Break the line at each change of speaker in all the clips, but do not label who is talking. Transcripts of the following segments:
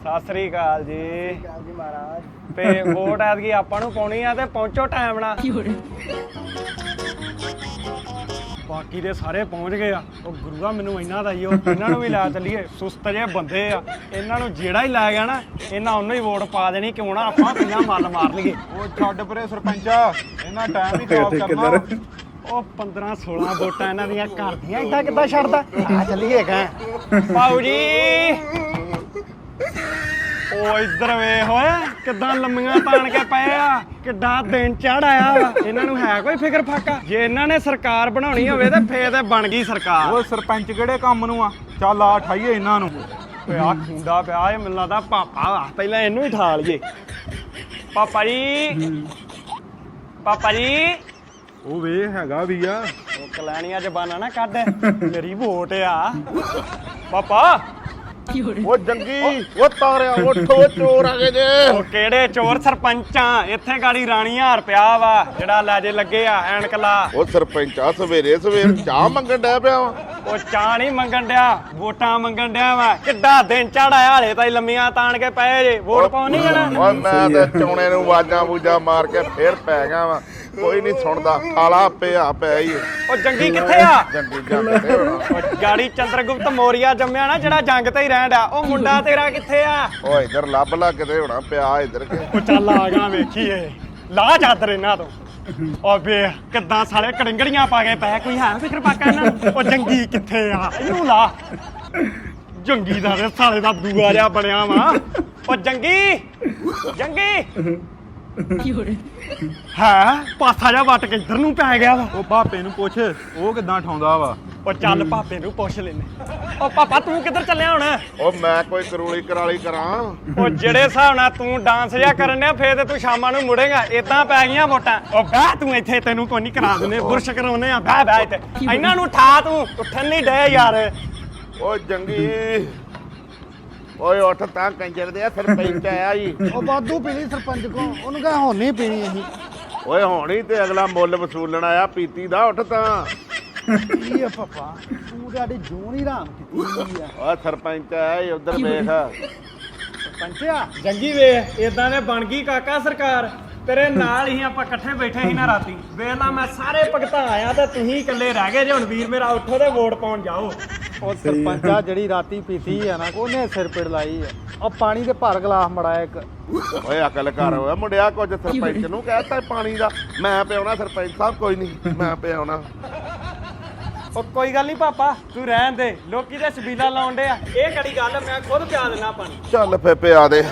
ਸਤਿ ਸ੍ਰੀ ਅਕਾਲ ਜੀ
ਮਹਾਰਾਜ।
ਤੇ ਵੋਟ ਐਤਕੀ ਆਪਾਂ ਨੂੰ ਪਾਉਣੀ ਆ ਤੇ ਪਹੁੰਚੋ ਟਾਈਮ ਨਾਲ। ਬਾਕੀ ਦੇ ਸਾਰੇ ਪਹੁੰਚ ਗਏ ਆ। ਉਹ ਗੁਰੂਆ ਮੈਨੂੰ ਇਹਨਾਂ ਦਾ ਹੀ ਉਹ ਇਹਨਾਂ ਨੂੰ ਵੀ ਲੈ ਚੱਲੀਏ। ਸੁਸਤ ਜਿਹੇ ਬੰਦੇ ਆ, ਇਹਨਾਂ ਨੂੰ ਜਿਹੜਾ ਹੀ ਲੈ ਗਿਆ ਨਾ ਇਹਨਾਂ ਉਹਨੂੰ ਹੀ ਵੋਟ ਪਾ ਦੇਣੀ। ਕਿਉਂ ਨਾ ਆਪਾਂ ਪਹਿਲਾਂ ਮੱਲ ਮਾਰ ਲਈਏ।
ਉਹ ਛੱਡ ਪਰੇ ਸਰਪੰਚਾ, ਇਹਨਾਂ ਟਾਈਮ ਹੀ ਖਰਾਬ ਕਰਨਾ।
ਉਹ 15-16 ਵੋਟਾਂ ਇਹਨਾਂ ਦੀਆਂ ਕਰਦੀਆਂ ਏਦਾਂ ਕਿੱਦਾਂ ਛੱਡਦਾ। ਆ ਚੱਲੀਏ ਕਾਂ ਪਾਉ ਜੀ। ਉਹ ਇੱਧਰ ਵੇਖ ਓਏ ਕਿੱਦਾਂ ਲੰਮੀਆਂ ਤਾਣ ਕੇ ਪਏ ਆ। ਕਿੱਡਾ ਦਿਨ ਚੜ ਆਇਆ ਵਾ। ਇਹਨਾਂ ਨੂੰ ਹੈ ਕੋਈ ਫਿਕਰ ਫਾਕਾ? ਜੇ ਇਹਨਾਂ ਨੇ ਸਰਕਾਰ ਬਣਾਉਣੀ ਹੋਵੇ ਤੇ ਫੇਰ ਤੇ ਬਣ ਗਈ ਸਰਕਾਰ।
ਉਹ ਸਰਪੰਚ ਕਿਹੜੇ ਕੰਮ ਨੂੰ ਆ? ਚੱਲ ਆ ਠਾਈਏ ਇਹਨਾਂ ਨੂੰ।
ਓਏ ਆ ਖੁੰਡਾ ਪਿਆ ਇਹ ਮੈਨੂੰ ਲੱਗਦਾ ਪਾਪਾ ਵਾ। ਪਹਿਲਾਂ ਇਹਨੂੰ ਹੀ ਠਾ ਲਈਏ। ਪਾਪਾ ਜੀ, ਪਾਪਾ ਜੀ।
ਉਹ ਵੇ ਹੈਗਾ ਵੀ ਆ।
ਉਹ ਕਲੈਣੀਆਂ ਜ਼ਬਾਨਾਂ ਨਾ ਕੱਢ, ਮੇਰੀ ਵੋਟ ਆ ਪਾਪਾ।
ਉਹ ਜੰਗੀ, ਉਹ ਤਾਰਿਆ ਉੱਠ, ਉਹ ਚੋਰ ਆ ਗਏ ਜੇ।
ਉਹ ਕਿਹੜੇ ਚੋਰ? ਸਰਪੰਚਾਂ ਇੱਥੇ ਗਾੜੀ ਰਾਣੀ ਹਾਰ ਪਿਆ ਵਾ ਜਿਹੜਾ ਲੈ ਜੇ ਲੱਗੇ ਆ ਐਨਕ ਲਾ।
ਉਹ ਸਰਪੰਚਾ ਸਵੇਰੇ ਸਵੇਰ ਚਾਹ ਮੰਗਣ ਡਿਆ ਪਿਆ ਵਾ।
ਉਹ ਚਾਹ ਨਹੀਂ ਮੰਗਣ ਡਿਆ, ਵੋਟਾਂ ਮੰਗਣ ਡਿਆ ਵਾ। ਕਿੱਡਾ ਦਿਨ ਚੜਾਇਆ ਹਲੇ ਤਾਂ ਲੰਮੀਆਂ ਤਾਣ ਕੇ ਪਏ ਜੇ। ਵੋਟ ਪਾਉਣੀ ਜਾਣਾ।
ਓਏ ਮੈਂ ਤੇ ਚੌਣੇ ਨੂੰ ਆਵਾਜ਼ਾਂ ਬੂਜਾਂ ਮਾਰ ਕੇ ਫੇਰ ਪੈ ਗਿਆ ਵਾ। ਕੋਈ ਨਹੀਂ ਸੁਣਦਾ। ਖਾਲਾ ਪਿਆ ਪਿਆ ਹੀ।
ਉਹ ਜੰਗੀ ਕਿੱਥੇ ਆ?
ਜੰਗੀ ਜੰਗ ਤੇ ਹੋਣਾ।
ਉਹ ਗਾੜੀ ਚੰਦਰਗੁਪਤ ਮੌਰੀਆ ਜੰਮਿਆ ਨਾ ਜਿਹੜਾ ਜੰਗ ਤੇ ਹੀ ਰਹਿਣ ਡਿਆ। ਉਹ ਮੁੰਡਾ ਤੇਰਾ ਕਿੱਥੇ ਆ?
ਉਹ ਇੱਧਰ ਲੱਭ ਲਾ ਕਿਤੇ ਹੋਣਾ ਪਿਆ ਇੱਧਰ ਕੇ।
ਉਹ ਚੱਲ ਆ ਗਿਆ ਵੇਖੀਏ। ਲਾ ਚਾਦਰ ਇਹਨਾਂ ਤੋਂ। ਉਹ ਵੇ ਕਿੱਦਾਂ ਸਾਲੇ ਕੜਿੰਗੜੀਆਂ ਪਾ ਕੇ ਪਏ। ਕੋਈ ਹੈ ਫਿਕਰ ਪਾਕਾ ਇਹਨਾਂ ਨੂੰ? ਉਹ ਜੰਗੀ ਕਿੱਥੇ ਆ? ਇਹਨੂੰ ਲਾ। ਜੰਗੀ ਦਾ ਤੇ ਸਾਲੇ ਦਾ ਦੂਆ ਜਿਹਾ ਬਣਿਆ ਵਾ। ਉਹ ਜੰਗੀ, ਜੰਗੀ ਹੈ ਪਾਸਾ ਜਿਹਾ ਵੱਟ ਕੇ ਇੱਧਰ ਨੂੰ ਪੈ ਗਿਆ ਵਾ।
ਉਹ ਭਾਪੇ ਨੂੰ ਪੁੱਛ, ਉਹ ਕਿੱਦਾਂ ਠਾਉਂਦਾ ਵਾ।
ਉਹ ਚੱਲ ਭਾਪੇ ਨੂੰ ਪੁੱਛ ਲੈਨੇ। ਉਹ ਪਾਪਾ ਤੂੰ ਕਿੱਧਰ ਚੱਲਿਆ ਹੁਣ?
ਉਹ ਮੈਂ ਕੋਈ ਕਰੂਲੀ ਕਰਾਲੀ ਕਰਾਂ।
ਉਹ ਜਿਹੜੇ ਹਿਸਾਬ ਨਾਲ ਤੂੰ ਡਾਂਸ ਜਿਹਾ ਕਰਨ ਡਿਆ ਫੇਰ ਤੇ ਤੂੰ ਸ਼ਾਮਾਂ ਨੂੰ ਮੁੜੇਗਾ। ਏਦਾਂ ਪੈ ਗਈਆਂ ਵੋਟਾਂ। ਉਹ ਬਹਿ ਤੂੰ ਇੱਥੇ, ਤੈਨੂੰ ਕੋਈ ਨਹੀਂ ਕਰਾ ਦਿੰਦੇ। ਬੁਰਸ਼ ਕਰਾਉਨੇ ਆ। ਬਹਿ ਬਹਿ ਇੱਥੇ। ਇਹਨਾਂ ਨੂੰ ਠਾ ਤੂੰ। ਉੱਠਣ ਨਹੀਂ ਡੇ ਯਾਰ।
ਉਹ ਜੰਗੀ, ਓਏ ਉੱਠ ਤਾਂ ਕੰਜਰ ਦੇ ਸਰਪੰਚ ਆਇਆ ਜੀ।
ਉਹ ਵਾਧੂ ਪੀ ਲਈ ਸਰਪੰਚ ਕੋ, ਉਹਨੂੰ ਕਹਾਂ ਹੁਣ ਨਹੀਂ ਪੀਣੀ ਅਸੀਂ।
ਓਏ ਹੋਣੀ ਤੇ ਅਗਲਾ ਮੁੱਲ ਵਸੂਲਣ ਆਇਆ ਪੀਤੀ ਦਾ। ਉੱਠ ਤਾਂ।
ਕੀ ਆ ਪਾਪਾ, ਤੂੰ ਸਾਡੀ ਜੂਨ ਹੀ ਹਰਾਮ ਕੀਤੀ ਆ।
ਓ ਸਰਪੰਚ ਆਇਆ ਉਧਰ ਵੇਖ।
ਸਰਪੰਚਿਆ ਜੰਗੀ ਵੇ ਏਦਾਂ ਦੇ ਬਣ ਗਈ ਕਾਕਾ ਸਰਕਾਰ। ਤੇਰੇ ਨਾਲ ਹੀ ਆਪਾਂ ਇਕੱਠੇ ਬੈਠੇ ਸੀ ਨਾ ਰਾਤੀ। ਵੇਲਾ ਮੈਂ ਸਾਰੇ ਭਗਤਾਂ ਆਇਆ ਤੇ ਤੁਸੀਂ ਇਕੱਲੇ ਰਹਿ ਗਏ ਜੇ। ਹੁਣ ਵੀਰ ਮੇਰਾ ਉੱਠੋ ਤੇ ਵੋਟ ਪਾਉਣ ਜਾਓ।
ਉਹ ਸਰਪੰਚਾ ਜਿਹੜੀ ਰਾਤੀ ਪੀਤੀ ਆ ਨਾ ਉਹਨੇ ਸਿਰ ਪਿੜ ਲਾਈ ਆ। ਉਹ ਪਾਣੀ ਦੇ ਭਰ ਗਲਾਸ ਮੜਾਇਆ ਇੱਕ।
ਓਏ ਅਕਲ ਕਰ ਓਏ ਮੁੰਡਿਆ। ਕੁਝ ਸਰਪੰਚ ਨੂੰ ਕਹਿਤਾ ਪਾਣੀ ਦਾ। ਮੈਂ ਪਿਆਉਣਾ ਸਰਪੰਚ ਸਾਹਿਬ। ਕੋਈ ਨਹੀਂ ਮੈਂ ਪਿਆਉਣਾ।
ਉਹ ਕੋਈ ਗੱਲ ਨਹੀਂ ਪਾਪਾ ਤੂੰ ਰਹਿਣ ਦੇ। ਲੋਕੀ ਤੇ ਛਬੀਲਾ ਲਾਉਣ ਡੇ ਆ। ਇਹ ਕਿਹੜੀ ਗੱਲ? ਮੈਂ ਖੁਦ ਪਿਆ ਦਿੰਦਾ ਪਾਣੀ।
ਚੱਲ ਫੇ ਪਿਆ ਦੇ।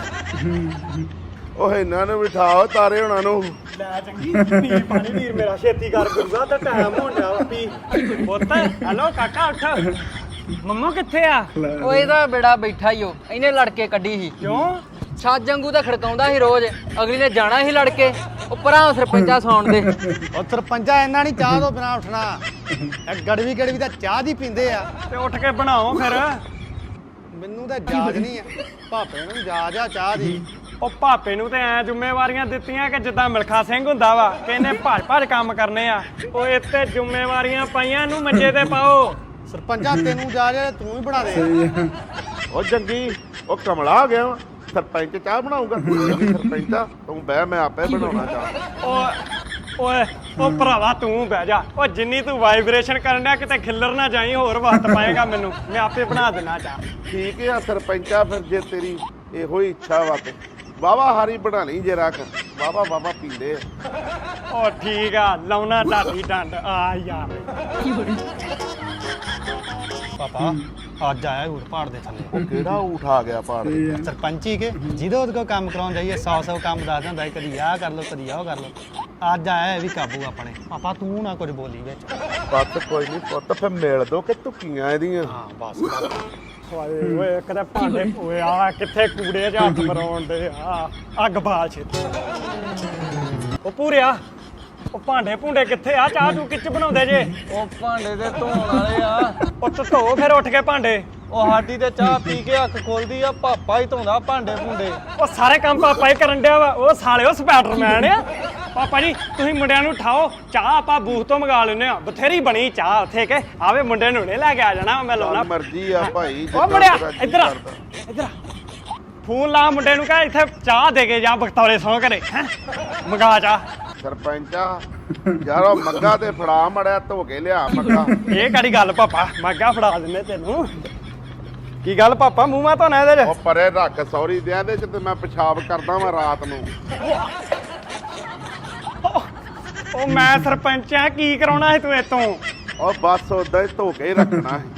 ਓਏ ਇਹਨਾਂ ਨੂੰ ਬਿਠਾਓ ਤਾਰੇ ਹੋਣਾ ਨੂੰ।
ਲੈ ਚੰਗੀ ਪੀ ਪਾਣੀ ਵੀਰ ਮੇਰਾ। ਛੇਤੀ ਕਰ ਗੁਰੂਆ ਤਾਂ ਟਾਈਮ ਹੋਣ ਡਿਆ ਵਾ। ਪੀ ਪੁੱਤ। ਹੈਲੋ ਕਾਕਾ ਉੱਠ। ਮੰਮਾ ਕਿੱਥੇ ਆ?
ਉਹ ਇਹਦਾ ਬੇੜਾ ਬੈਠਾ ਹੀ ਉਹ। ਇਹਨੇ ਲੜਕੇ ਕੱਢੀ ਸੀ।
ਕਿਉਂ?
ਛੱਜ ਵਾਂਗੂ ਤਾਂ ਖੜਕਾਉਂਦਾ ਸੀ ਰੋਜ਼। ਅਗਲੀ ਨੇ ਜਾਣਾ ਸੀ ਲੜਕੇ। ਉਹ ਪਰਾਂ ਸਰਪੰਚਾ ਸੌਣ ਦੇ।
ਉਹ ਸਰਪੰਚਾ ਇਹਨਾਂ ਨਹੀਂ ਚਾਹ ਤੋਂ ਬਿਨਾ ਉੱਠਣਾ। ਇਹ ਗੜਵੀ ਗੜਵੀ ਤਾਂ ਚਾਹ ਦੀ ਪੀਂਦੇ ਆ।
ਤੇ ਉੱਠ ਕੇ ਬਣਾਓ ਫਿਰ।
ਮੈਨੂੰ ਤਾਂ ਜਾਜ ਨਹੀਂ ਆ। ਭਾਪੇ ਨੂੰ ਜਾਜ ਆ ਚਾਹ ਦੀ।
ਉਹ ਭਾਪੇ ਨੂੰ ਤੇ ਐ ਜ਼ਿੰਮੇਵਾਰੀਆਂ ਦਿੱਤੀਆਂ ਕਿ ਜਿੱਦਾਂ ਮਿਲਖਾ ਸਿੰਘ ਹੁੰਦਾ ਵਾ ਕਿ ਇਹਨੇ ਭੱਜ ਕੰਮ ਕਰਨੇ ਆ। ਉਹ ਇੱਥੇ ਜ਼ਿੰਮੇਵਾਰੀਆਂ ਪਾਈਆਂ ਨੂੰ ਮੰਜੇ ਤੇ ਪਾਓ।
ਸਰਪੰਚਾ ਤੈਨੂੰ ਜਾਜ ਆ ਤੂੰ ਹੀ ਬਣਾ ਦੇ।
ਉਹ ਜੰਗੀ, ਉਹ ਕਮਲਾ ਹੋ ਗਿਆ ਵਾ। ਸਰਪੰਚ ਚਾਹ ਬਣਾਊਗਾ। ਸਰਪੰਚਾ ਤੂੰ ਬਹਿ, ਮੈਂ ਆਪੇ ਬਣਾਉਣਾ ਚਾਹ।
ਓਏ ਉਹ ਭਰਾਵਾ ਤੂੰ ਬਹਿ ਜਾ। ਉਹ ਜਿੰਨੀ ਤੂੰ ਵਾਈਬ੍ਰੇਸ਼ਨ ਕਰਨ ਡਿਆ ਕਿਤੇ ਖਿੱਲਰ ਨਾ ਜਾਈ। ਹੋਰ ਵਕਤ ਪਾਏਗਾ ਮੈਨੂੰ। ਮੈਂ ਆਪੇ ਬਣਾ ਦੇਣਾ ਚਾਹ।
ਠੀਕ ਆ ਸਰਪੰਚਾ, ਫਿਰ ਜੇ ਤੇਰੀ ਇਹੋ ਹੀ ਇੱਛਾ ਵਾ ਤੇ ਵਾਵਾ ਹਾਰੀ ਬਣਾ ਲਈ ਜੇ ਰੱਖ। ਵਾਵਾ ਪੀਂਦੇ ਆ।
ਉਹ ਠੀਕ ਆ ਲਾਉਣਾ ਢਾਡੀ ਡੰਡ ਆ ਯਾਰ। ਪਾਪਾ ਅੱਜ ਆਇਆ ਊਠ ਪਹਾੜ ਦੇ ਥੱਲੇ।
ਉਹ ਕਿਹੜਾ ਊਠ ਆ ਗਿਆ ਪਹਾੜ ਤੇ?
ਸਰਪੰਚੀ ਕੇ ਜਿਹਦੇ ਉਹਦੇ ਕੋਲ ਕੰਮ ਕਰਾਉਣ ਜਾਈਏ 100 ਕੰਮ ਦੱਸ ਦਿੰਦਾ। ਕਦੀ ਆਹ ਕਰ ਲਓ ਕਦੀ ਆਹ ਕਰ ਲਓ। ਅੱਜ ਆਇਆ ਇਹ ਵੀ ਕਾਬੂ ਆਪਣੇ। ਪਾਪਾ ਤੂੰ ਨਾ ਕੁਝ ਬੋਲੀ ਵਿੱਚ।
ਬੱਤ ਕੋਈ ਨਹੀਂ ਪੁੱਤ, ਫਿਰ ਮਿਲ ਦੋ ਕਿ ਧੁੱਕੀਆਂ ਇਹਦੀਆਂ।
ਹਾਂ ਬਸ ਓਏ ਕਦੇ ਭਾਂਡੇ। ਓਏ ਆ ਕਿੱਥੇ ਕੂੜੇ ਜਾਂ ਹੱਥ ਮਰਾਉਣ ਦੇ ਆ। ਅੱਗ ਬਾਲ ਛੇਤੀ। ਉਹ ਪੂਰਿਆ ਉਹ ਭਾਂਡੇ ਭੁੰਡੇ ਕਿੱਥੇ ਆ? ਚਾਹ ਤੂੰ ਕਿੱਚ ਬਣਾਉਂਦੇ ਜੇ?
ਉਹ ਭਾਂਡੇ ਤੇ ਧੋਣ ਵਾਲੇ ਆ।
ਉਹ ਧੋ ਫਿਰ ਉੱਠ ਕੇ ਭਾਂਡੇ।
ਉਹ ਸਾਡੀ ਤੇ ਚਾਹ ਪੀ ਕੇ ਅੱਖ ਖੋਲਦੀ ਆ। ਪਾਪਾ ਹੀ ਧੋਂਦਾ ਭਾਂਡੇ ਭੁੰਡੇ।
ਉਹ ਸਾਰੇ ਕੰਮ ਪਾਪਾ ਹੀ ਕਰਨ ਡਿਆ ਵਾ। ਉਹ ਸਾਲਿਓ ਸਪਾਈਡਰਮੈਨ ਆ। ਪਾਪਾ ਜੀ ਤੁਸੀਂ ਮੁੰਡਿਆਂ ਨੂੰ ਉਠਾਓ। ਚਾਹ ਆਪਾਂ ਬੂਥ ਤੋਂ ਮੰਗਾ ਲੈਨੇ ਆ। ਬਥੇਰੀ ਬਣੀ ਚਾਹ ਉੱਥੇ ਕੇ। ਆਵੇ ਮੁੰਡੇ ਨੂੰ ਨੇ ਲੈ ਕੇ ਆ ਜਾਣਾ। ਮੈਂ ਲਾਉਣਾ
ਮਰਜ਼ੀ ਆ ਭਾਈ।
ਉਹ ਮੁੰਡਿਆ ਇੱਧਰ ਆ। ਇੱਧਰ ਆ। ਫੋਨ ਲਾ ਮੁੰਡੇ ਨੂੰ ਕਹ ਇੱਥੇ ਚਾਹ ਦੇ ਕੇ ਜਾ ਬਖਤੌਰੇ ਸੌਂ ਘਰੇ ਹੈ ਮੰਗਾ ਚਾਹ।
ਸਰਪੰਚਾ ਯਾਰ ਉਹ ਮੱਗਾ ਤੇ ਫੜਾ ਮੜਿਆ ਧੋ ਕੇ ਲਿਆ ਮੱਗਾ।
ਇਹ ਕਿਹੜੀ ਗੱਲ ਪਾਪਾ ਮੱਗਾ ਫੜਾ ਦਿੰਦੇ ਤੈਨੂੰ। ਕੀ ਗੱਲ ਪਾਪਾ ਮੂੰਹ ਮਾ ਧੋਣਾ ਇਹਦੇ
ਉਹ
ਚ।
ਪਰੇ ਰੱਖ ਸੌਰੀ ਦੇ ਇਹਦੇ ਚ ਤੇ ਮੈਂ ਪਿਸ਼ਾਬ ਕਰਦਾ ਵਾਂ ਰਾਤ ਨੂੰ।
ਉਹ ਮੈਂ ਸਰਪੰਚ ਆ ਕੀ ਕਰਾਉਣਾ ਹੈ ਤੂੰ ਇਤੋਂ।
ਉਹ ਬਸ ਉਦਾਂ ਹੀ ਧੋ ਕੇ ਹੀ ਰੱਖਣਾ ਹੈ।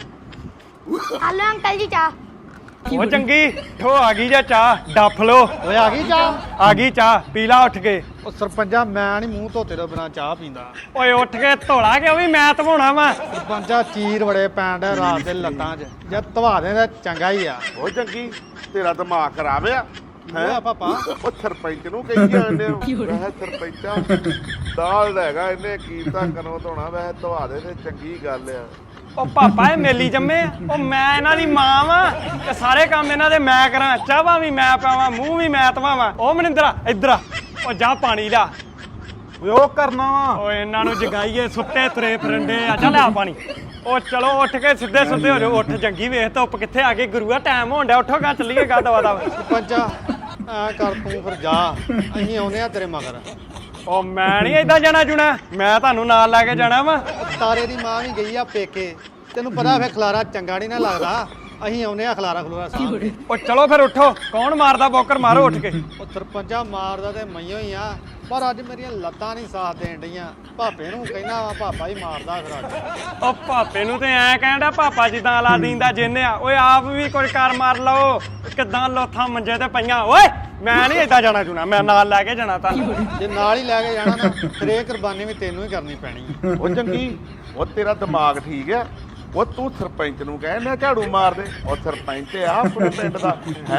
ਹਲੋ ਅੰਕਲ ਜੀ ਚਾਹ।
ਉਹ ਚੰਗੀ ਠੋ ਆ ਗਈ ਜਾਂ ਚਾਹ ਡੱਫ ਲੋ।
ਓਏ ਆ ਗਈ ਚਾਹ।
ਆ ਗਈ ਚਾਹ ਪੀ ਲਾ ਉੱਠ ਕੇ।
ਉਹ ਸਰਪੰਚਾ ਮੈਂ ਨਹੀਂ ਮੂੰਹ ਧੋਤੇ ਤੋਂ ਬਿਨਾ ਚਾਹ ਪੀਂਦਾ।
ਓਏ ਉੱਠ ਕੇ ਧੋਲਾ ਕਿ ਉਹ ਵੀ ਮੈਂ ਧਵਾਉਣਾ ਵਾ।
ਸਰਪੰਚਾ ਚੀਰ ਬੜੇ ਪੈਣ ਡਿਆ ਰਾਤ ਦੇ ਲੱਤਾਂ 'ਚ ਜੇ ਧਵਾ ਦੇ ਤਾਂ ਚੰਗਾ ਹੀ ਆ।
ਉਹ ਚੰਗੀ ਤੇਰਾ ਦਿਮਾਗ ਖਰਾਬ ਆ
ਹੋਇਆ ਪਾਪਾ।
ਉਹ ਸਰਪੰਚ ਨੂੰ ਕਹੀ ਜਾਂਦੇ ਹੋ ਵੈਸੇ ਸਰਪੰਚਾ ਦਾਲ ਦਾ ਹੈਗਾ ਇਹਨੇ ਕੀਤਾ ਕਨੋਂ ਧੋਣਾ ਵੈਸੇ ਧਵਾ ਦੇ ਤੇ ਚੰਗੀ ਗੱਲ ਆ।
ਉਹ ਪਾਪਾ ਇਹ ਮੇਲੀ ਜੰਮੇ ਆ। ਉਹ ਮੈਂ ਇਹਨਾਂ ਦੀ ਮਾਂ ਵਾਂ ਤੇ ਸਾਰੇ ਕੰਮ ਇਹਨਾਂ ਦੇ ਮੈਂ ਕਰਾਂ। ਚਾਹਾਂ ਵੀ ਮੈਂ ਪਾਵਾਂ ਮੂੰਹ ਵੀ ਮੈਂ ਧਵਾਵਾਂ। ਉਹ ਮਨਿੰਦਰਾ ਇੱਧਰ ਆ। ਉਹ ਜਾ ਪਾਣੀ ਲਿਆ।
ਓਏ ਉਹ ਕਰਨਾ ਵਾ।
ਓਏ ਇਹਨਾਂ ਨੂੰ ਜਗਾਈਏ ਸੁੱਤੇ ਤੁਰੇ ਫਿਰੰਡੇ ਆ। ਚੱਲ ਆ ਪਾਣੀ। ਉਹ ਚਲੋ ਉੱਠ ਕੇ ਸਿੱਧੇ ਸੁੱਧੇ ਹੋ ਜਾਓ। ਉੱਠ ਜੰਗੀ ਵੇਖ ਧੁੱਪ ਕਿੱਥੇ ਆ ਗਈ ਗੁਰੂਆ ਟਾਈਮ ਹੋਣ ਡਿਆ। ਉੱਠੋ ਗਾ ਚੱਲੀਏ ਗਾ ਦਵਾ ਦਵਾ।
ਸਰਪੰਚਾ ਐ ਕਰ ਤੂੰ ਫਿਰ ਜਾ ਅਸੀਂ ਆਉਨੇ ਆ ਤੇਰੇ ਮਗਰ।
ਉਹ ਮੈਂ ਨਹੀਂ ਏਦਾਂ ਜਾਣਾ ਜੁਣਾ ਮੈਂ ਤੁਹਾਨੂੰ ਨਾਲ ਲੈ ਕੇ ਜਾਣਾ ਵਾ।
ਤਾਰੇ ਦੀ ਮਾਂ ਵੀ ਗਈ ਆ ਪੇਕੇ ਤੈਨੂੰ ਪਤਾ ਫੇ ਖਲਾਰਾ ਚੰਗਾ ਨਹੀਂ ਨਾ ਲੱਗਦਾ। ਅਸੀਂ ਆਉਨੇ ਆ ਖਲਾਰਾ ਖਲੂਰਾ ਸਾਹ।
ਉਹ ਚਲੋ ਫਿਰ ਉੱਠੋ। ਕੌਣ ਮਾਰਦਾ ਬੋਕਰ ਮਾਰੋ ਉੱਠ ਕੇ।
ਉਹ ਸਰਪੰਚਾ ਮਾਰਦਾ ਤੇ ਮਈਓ ਹੀ ਆ ਪਰ ਅੱਜ ਮੇਰੀਆਂ ਲੱਤਾਂ ਨਹੀਂ ਸਾਥ ਦੇਣ ਡੀਆਂ। ਭਾਪੇ ਨੂੰ ਕਹਿਣਾ ਵਾ ਪਾਪਾ ਹੀ ਮਾਰਦਾ ਫਿਰ ਅੱਜ।
ਉਹ ਭਾਪੇ ਨੂੰ ਤੇ ਐ ਕਹਿੰਦਾ ਪਾਪਾ ਜਿੱਦਾਂ ਅਲਾਦੀਨ ਦਾ ਜਿੰਨ ਆ। ਓਏ ਆਪ ਵੀ ਕੋਈ ਕਰ ਮਾਰ ਲਓ। ਕਿੱਦਾਂ ਲੋਥਾਂ ਮੰਜੇ ਤੇ ਪਈਆਂ। ਓਏ ਮੈਂ ਨਹੀਂ ਏਦਾਂ ਜਾਣਾ ਜੁਣਾ ਮੈਂ ਨਾਲ ਲੈ ਕੇ ਜਾਣਾ ਤੁਹਾਨੂੰ।
ਜੇ ਨਾਲ ਹੀ ਲੈ ਕੇ ਜਾਣਾ ਨਾ ਫਿਰ ਇਹ ਕੁਰਬਾਨੀ ਵੀ ਤੈਨੂੰ ਹੀ ਕਰਨੀ ਪੈਣੀ ਆ।
ਉਹ ਚੰਗੀ ਉਹ ਤੇਰਾ ਦਿਮਾਗ ਠੀਕ ਆ। ਉਹ ਤੂੰ ਸਰਪੰਚ ਨੂੰ ਕਹਿਣਾ ਝਾੜੂ ਮਾਰ ਦੇ। ਉਹ ਸਰਪੰਚ ਆ ਆਪਣੇ ਪਿੰਡ ਦਾ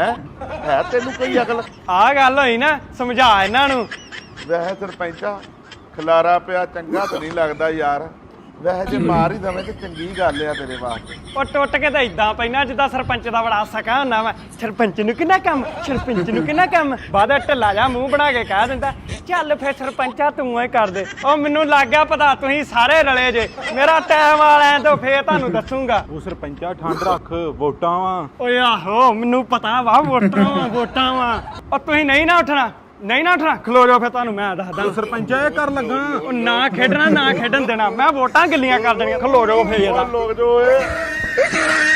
ਹੈ ਤੈਨੂੰ ਕੋਈ ਅਕਲ।
ਆਹ ਗੱਲ ਹੋਈ ਨਾ ਸਮਝਾ ਇਹਨਾਂ ਨੂੰ।
ਵੈਸੇ ਸਰਪੰਚਾ ਖਲਾਰਾ ਪਿਆ ਚੰਗਾ ਤਾਂ ਨਹੀਂ ਲੱਗਦਾ ਯਾਰ। ਵੈਸੇ ਜੇ ਮਾਰ ਹੀ ਦਵੇਂ ਤੇ ਚੰਗੀ ਗੱਲ ਆ ਤੇਰੇ ਵਾਸਤੇ।
ਉਹ ਟੁੱਟ ਕੇ ਤਾਂ ਇਦਾਂ ਪੈਣਾ ਜਿੱਦਾਂ ਸਰਪੰਚ ਦਾ ਬੜਾ ਸਕਾ ਹੁੰਦਾ ਵਾ। ਸਰਪੰਚ ਨੂੰ ਕਿੰਨਾ ਕੰਮ ਸਰਪੰਚ ਨੂੰ ਕਿੰਨਾ ਕੰਮ ਬਾਅਦ ਢਿੱਲਾ ਜਾ ਮੂੰਹ ਬਣਾ ਕੇ ਕਹਿ ਦਿੰਦਾ ਚੱਲ ਫੇਰ ਸਰਪੰਚਾ ਤੂੰ ਹੀ ਕਰ ਦੇ। ਉਹ ਮੈਨੂੰ ਲੱਗ ਗਿਆ ਪਤਾ ਤੁਸੀਂ ਸਾਰੇ ਰਲੇ ਜੇ। ਮੇਰਾ ਟਾਈਮ ਵਾਲਿਆਂ ਤੋਂ ਫੇਰ ਤੁਹਾਨੂੰ ਦੱਸੂਗਾ।
ਉਹ ਸਰਪੰਚਾ ਠੰਡ ਰੱਖ ਵੋਟਾਂ ਵਾ।
ਓਏ ਆਹੋ ਮੈਨੂੰ ਪਤਾ ਵਾ ਵੋਟਾਂ ਵਾ। ਉਹ ਤੁਸੀਂ ਨਹੀਂ ਨਾ ਉੱਠਣਾ ਖਲੋ ਜਾਓ ਫਿਰ ਤੁਹਾਨੂੰ ਮੈਂ ਦੱਸਦਾ।
ਉਹ ਸਰਪੰਚਾ ਇਹ ਕਰ ਲੱਗਾ।
ਉਹ ਨਾ ਖੇਡਣਾ ਨਾ ਖੇਡਣ ਦੇਣਾ। ਮੈਂ ਵੋਟਾਂ ਗਿੱਲੀਆਂ ਕਰ ਦੇਣੀਆਂ। ਖਲੋ ਜਾਓ ਫੇਰ
ਉਹ ਲੋਕ ਜੋ ਏ